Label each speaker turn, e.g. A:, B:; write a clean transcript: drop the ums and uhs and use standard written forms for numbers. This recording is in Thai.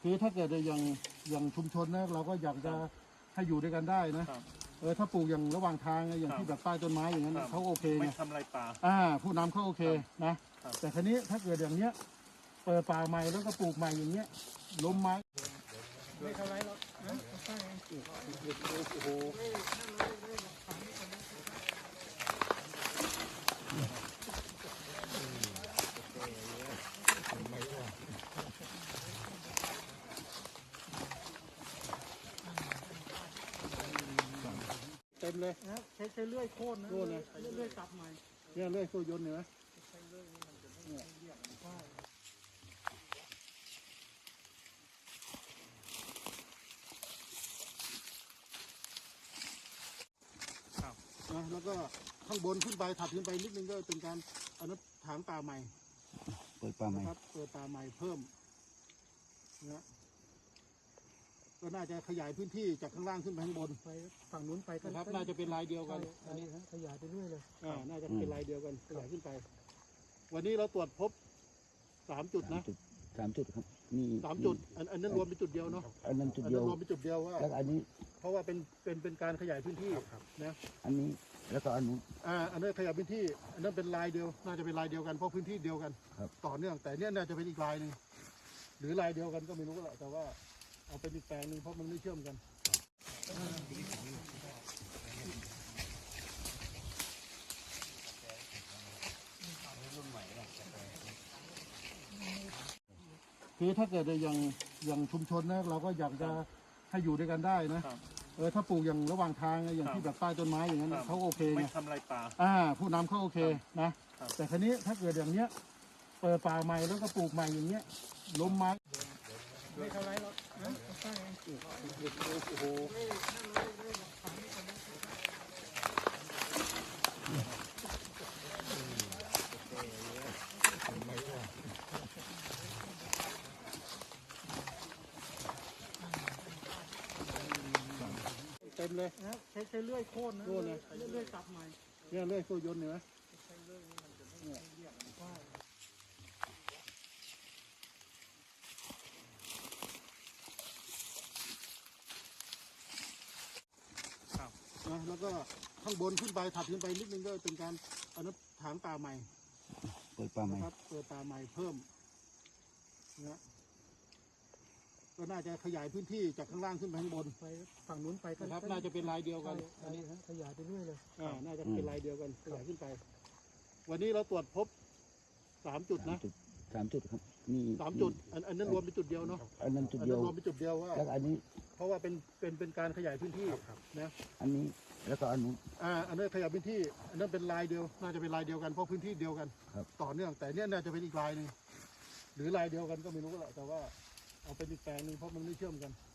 A: คือถ้าเกิดอย่างชุมชนนะเราก็อยากจะให้อยู่ด้วยกันได้นะถ้าปลูกอย่างระหว่างทางอย่างที่แบบใต้ต้นไม้อย่างนั้นเขาโอเคไง
B: ไม่ทำลายป่า
A: ผู้นำเขาโอเคนะแต่ครั้นี้ถ้าเกิดอย่างเนี้ยเปิดป่าใหม่แล้วก็ปลูกใหม่อย่างเงี้ยล้มไม้ไม่เท่าไรหรอกนะใช่โอ้โหเต็มเลยนะใช้เลื่อยโค่นนะเลื่อยตัดใหม่เนี่ยเลื่อยโซ่ยนต์เนี่ยนะแล้วก็ข้างบนขึ้นไปถัดขึ้นไปนิดนึงก็เป็นการเอาน้ำถางป่าใหม่
C: เปิดป่าใหม่
A: ครับเปิดป่าใหม่เพิ่มนะก็น่าจะขยายพื้นที่จากข้างล่างขึ้นไปข้างบนไปฝั่งนู้นไปก็ครับน่าจะเป็นลายเดียวกันอันนี้ขยายไปเรื่อยเลยน่าจะเป็นลายเดียวกันขยายขึ้นไปวันนี้เราตรวจพบ3 จุดนะ
C: 3 จุดครับนี่
A: 3 จุดอันนั้นรวมเป็นจุดเดียวเนาะ
C: อันนั้นจุดเดียว
A: รวมเป็นจุดเดียวว่า
C: แล้วอันนี้
A: เพราะว่าเป็นการขยายพื้นที่นะ
C: อันนี้แล้วก็อันนู้น
A: อันนั้นขยายพื้นที่อันนั้นเป็นลายเดียวน่าจะเป็นลายเดียวกันเพราะพื้นที่เดียวกันต่อเนื่องแต่เนี้ยน่าจะเป็นอีกลายหนึ่งหรือลายเดียวกันก็ไม่รู้แหละแต่ว่าเอาเป็นอีกแปลงหนึ่งเพราะมันไม่เชื่อมกันคือถ้าเกิดอย่างชุมชนนะเราก็อยากจะให้อยู่ด้วยกันได้นะถ้าปลูกอย่างระหว่างทางอย่างที่แบบใต้ต้นไม้อย่างนั้นเขาโอเคไง
B: ไม่ทำลายป่า
A: ผู้นำเขาโอเคนะแต่ครั้นี้ถ้าเกิดอย่างเนี้ยเปิดป่าใหม่แล้วก็ปลูกใหม่อย่างเงี้ยล้มไม้ไม่เท่าไรหรอกนะใช่โอ้โหเต็มเลยนะใช้เลื่อยโค่นนะเลื่อยตัดใหม่เนี่ยเลื่อยโซ่ยนต์เนี่ยนะแล้วก็ข้างบนขึ้นไปถัดขึ้นไปนิดนึงก็เป็นการเอาน้ำถางป่าใหม่
C: เปิดป่าใหม่
A: ครับเปิดป่าใหม่เพิ่มนะก็น่าจะขยายพื้นที่จากข้างล่างขึ้นไปข้างบนไปฝั่งนู้นไปก็ครับน่าจะเป็นลายเดียวกันอันนี้ขยายไปเรื่อยเลยน่าจะเป็นลายเดียวกันขยายขึ้นไปวันนี้เราตรวจพบ3 จุดนะ
C: 3 จุดครับนี่
A: 3 จุดอันนั้นรวมเป็นจุดเดียวเนาะ
C: อันนั้นจุดเดียว
A: รวมเป็นจุดเดียวว่า
C: แล้วอันนี้
A: เพราะว่าเป็นการขยายพื้นที่นะ
C: อันนี้แล้วก็อันนู้น
A: อันนั้นขยายพื้นที่อันนั้นเป็นลายเดียวน่าจะเป็นลายเดียวกันเพราะพื้นที่เดียวกันต่อเนื่องแต่เนี้ยน่าจะเป็นอีกลายหนึ่งหรือลายเดียวกันก็ไม่รู้แหละแต่ว่าเอาเป็นอีกแปลงหนึ่งเพราะมันไม่เชื่อมกัน